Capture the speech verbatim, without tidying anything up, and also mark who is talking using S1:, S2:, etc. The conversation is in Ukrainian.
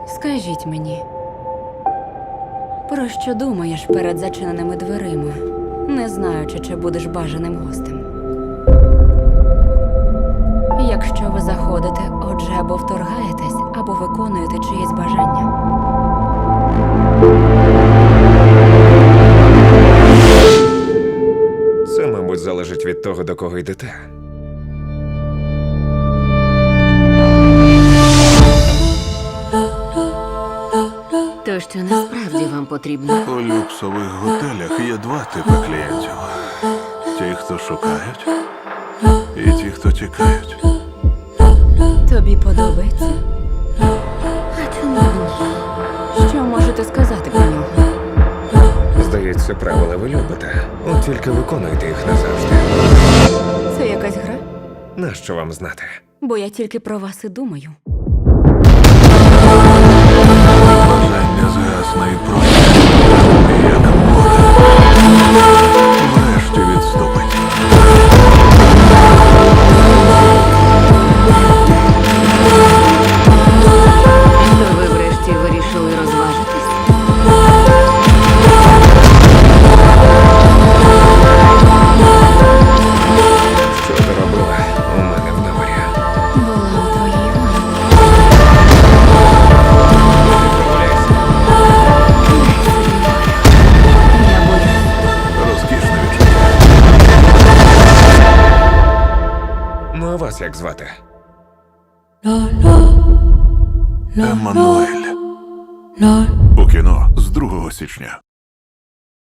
S1: Скажіть мені, про що думаєш перед зачиненими дверима, не знаючи, чи будеш бажаним гостем? Якщо ви заходите, отже, або вторгаєтесь, або виконуєте чиєсь бажання.
S2: Це, мабуть, залежить від того, до кого йдете.
S1: То, що насправді вам потрібно.
S3: У люксових готелях є два типи клієнтів. Ті, хто шукають, і ті, хто тікають.
S1: Тобі подобається? А чому ні? Що можете сказати про нього?
S2: Здається, правила ви любите. От тільки виконуєте їх назавжди.
S1: Це якась гра?
S2: Нащо вам знати?
S1: Бо я тільки про вас і думаю.
S3: Бажання згасне і просто, як море. Врешті відступить.
S1: То ви врешті вирішили розважитись?
S2: Що ти робила у мене в номері?
S1: Була у твоїй ванні.
S2: Прогуляйся.
S1: Я боюсь.
S3: Розкішне відчуття.
S2: Ну, а вас як звати?
S3: Еммануель. У кіно з другого січня.